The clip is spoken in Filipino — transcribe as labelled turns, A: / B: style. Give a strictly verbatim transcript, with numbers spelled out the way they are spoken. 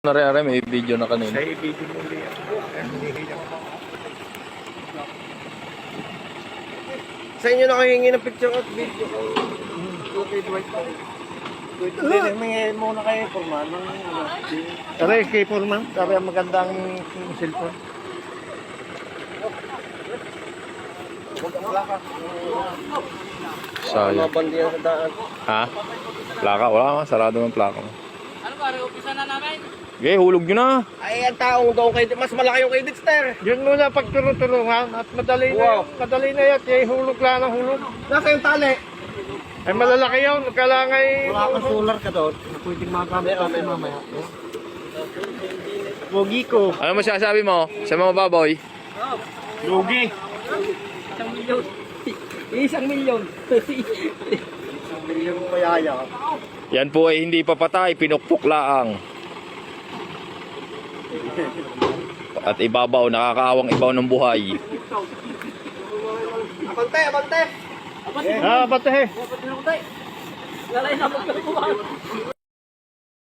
A: Nare-are, may video na kanina.
B: Sa i-video mo ulit.
C: Sa inyo na kayo hingi ng picture at video ko. Okay, Dwight.
B: Hindi, may muna kayo, Forman. Aray, kay Forman. Sabi ang magandang cellphone.
A: Sayang.
C: Mabandi yan sa daan.
A: Ha? Plaka? Wala nga. Sarado ng plaka mo.
D: Ano pare, umpisa na namin?
A: Okay, hulog nyo na.
C: Ay, ang taong daw kay mas malaki yung kay Dexter.
B: Yun muna pagtulong-tulungan at madali na
C: Wow.
B: yun. Madali na yan. Kaya hulog lang ang hulog.
C: Nasa yung tali.
B: Ay malalaki yun. Kailangan ay...
C: Wala kang solar ka doon. Pwedeng magamit natin mamaya.
B: Pogi ko.
A: Ano masasabi mo sa mga baboy?
B: Lugi.
D: Isang milyon. Isang milyon.
C: Milyon pa yaya.
A: Yan po ay hindi papatay, pinukpok laang. At ibabaw, nakakaawang ibaw ng buhay.
C: Abante, abante.
B: Ah, batahe.
D: Lalay na magkakuha.